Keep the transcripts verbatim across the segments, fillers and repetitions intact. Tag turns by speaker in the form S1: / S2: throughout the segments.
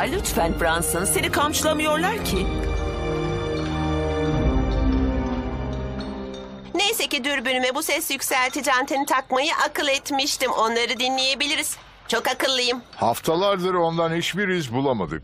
S1: lütfen Brunson. Seni kamçılamıyorlar ki.
S2: Neyse ki dürbünüme bu ses yükseltici anteni takmayı akıl etmiştim. Onları dinleyebiliriz. Çok akıllıyım.
S3: Haftalardır ondan hiçbir iz bulamadık.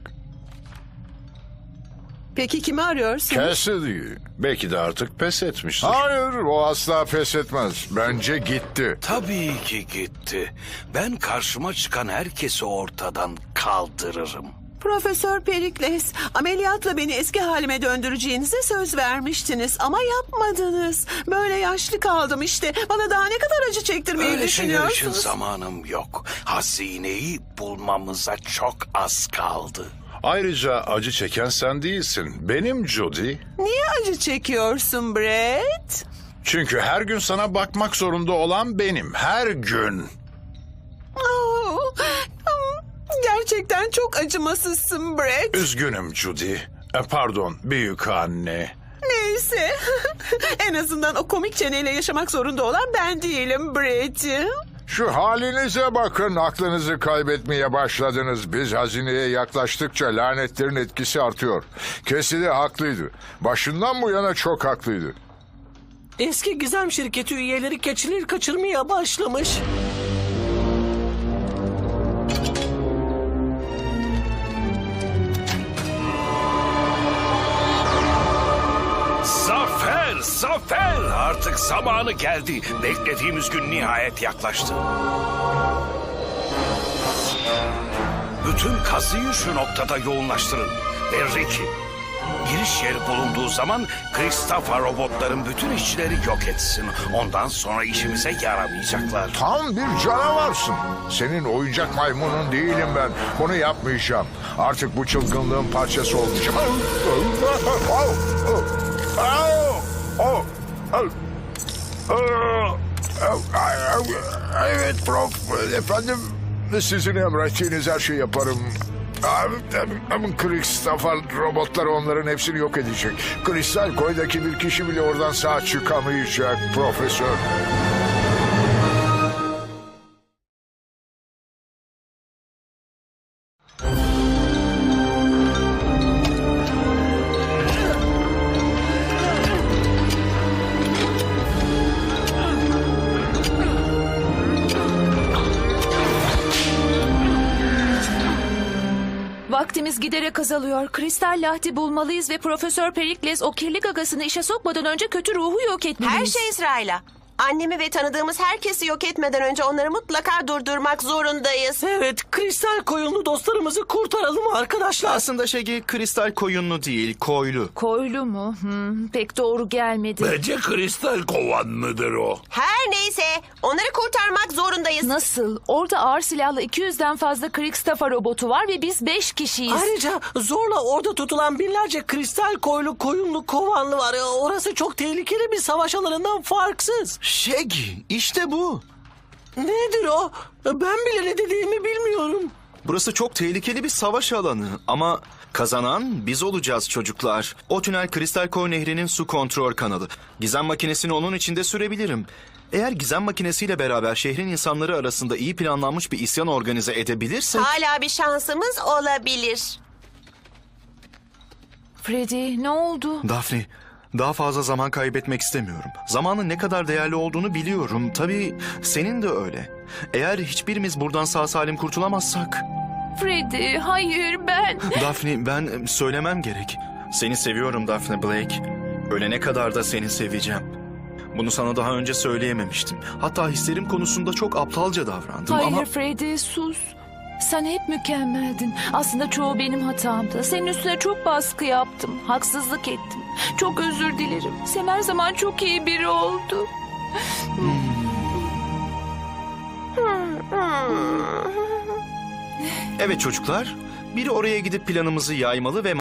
S4: Peki kimi arıyorsun?
S3: Cassidy.
S5: Belki de artık pes etmiştir.
S3: Hayır, o asla pes etmez. Bence gitti.
S6: Tabii ki gitti. Ben karşıma çıkan herkesi ortadan kaldırırım.
S4: Profesör Perikles, ameliyatla beni eski halime döndüreceğinize söz vermiştiniz ama yapmadınız. Böyle yaşlı kaldım işte. Bana daha ne kadar acı çektirmeyi
S6: Öyle şeyler için
S4: düşünüyorsunuz?
S6: zamanım yok. Hazineyi bulmamıza çok az kaldı.
S5: Ayrıca acı çeken sen değilsin. Benim Judy.
S4: Niye acı çekiyorsun Brett?
S5: Çünkü her gün sana bakmak zorunda olan benim. Her gün.
S4: Oh, gerçekten çok acımasızsın Brett.
S5: Üzgünüm Judy. E, pardon büyük anne.
S4: Neyse. En azından o komik çeneyle yaşamak zorunda olan ben değilim Brett'ciğim.
S3: Şu halinize bakın, aklınızı kaybetmeye başladınız. Biz hazineye yaklaştıkça lanetlerin etkisi artıyor. Cassidy haklıydı. Başından bu yana çok haklıydı.
S7: Eski gizem şirketi üyeleri keçileri kaçırmaya başlamış.
S6: Zafer, zafer! Artık zamanı geldi. Beklediğimiz gün nihayet yaklaştı. Bütün kazıyı şu noktada yoğunlaştırın. Ve Ricky, giriş yeri bulunduğu zaman Christopher robotların bütün işçileri yok etsin. Ondan sonra işimize yaramayacaklar.
S3: Tam bir canavarsın. Senin oyuncak maymunun değilim ben. Bunu yapmayacağım. Artık bu çılgınlığın parçası olacağım. Evet prof. Efendim, sizin emrettiğiniz her şeyi yaparım. Christopher robotlar onların hepsini yok edecek. Kristal koydaki bir kişi bile oradan sağ çıkamayacak profesör.
S8: Vaktimiz giderek azalıyor. Kristal lahti bulmalıyız ve Profesör Perikles o kirli gagasını işe sokmadan önce kötü ruhu yok etmeliyiz.
S2: Her şey sırayla. Annemi ve tanıdığımız herkesi yok etmeden önce onları mutlaka durdurmak zorundayız.
S7: Evet, kristal koyunlu dostlarımızı kurtaralım arkadaşlar.
S9: Aslında Şegi kristal koyunlu değil, koylu.
S8: Koylu mu? Hmm, pek doğru gelmedi.
S6: Bence kristal kovan mıdır o?
S2: Her neyse, onları kurtarmak zorundayız.
S8: Nasıl? Orada ağır silahlı iki yüzden fazla Kristofer robotu var ve biz beş kişiyiz.
S7: Ayrıca zorla orada tutulan binlerce kristal koylu koyunlu kovanlı var. Orası çok tehlikeli bir savaş alanından farksız.
S9: Şegi, işte bu.
S7: Nedir o? Ben bile ne dediğimi bilmiyorum.
S9: Burası çok tehlikeli bir savaş alanı ama kazanan biz olacağız çocuklar. O tünel Kristal Koy Nehri'nin su kontrol kanalı. Gizem makinesini onun içinde sürebilirim. Eğer gizem makinesiyle beraber şehrin insanları arasında iyi planlanmış bir isyan organize edebilirsek...
S2: Hala bir şansımız olabilir.
S8: Freddy, ne oldu?
S9: Daphne, daha fazla zaman kaybetmek istemiyorum. Zamanın ne kadar değerli olduğunu biliyorum. Tabii senin de öyle. Eğer hiçbirimiz buradan sağ salim kurtulamazsak...
S8: Freddy, hayır ben...
S9: Daphne, ben söylemem gerek. Seni seviyorum Daphne Blake. Ölene kadar da seni seveceğim. Bunu sana daha önce söyleyememiştim. Hatta hislerim konusunda çok aptalca davrandım
S8: Hayır
S9: ama...
S8: Freddy, sus. Sen hep mükemmeldin. Aslında çoğu benim hatamdı. Senin üstüne çok baskı yaptım. Haksızlık ettim. Çok özür dilerim. Sen her zaman çok iyi biri oldu.
S9: Evet çocuklar, biri oraya gidip planımızı yaymalı ve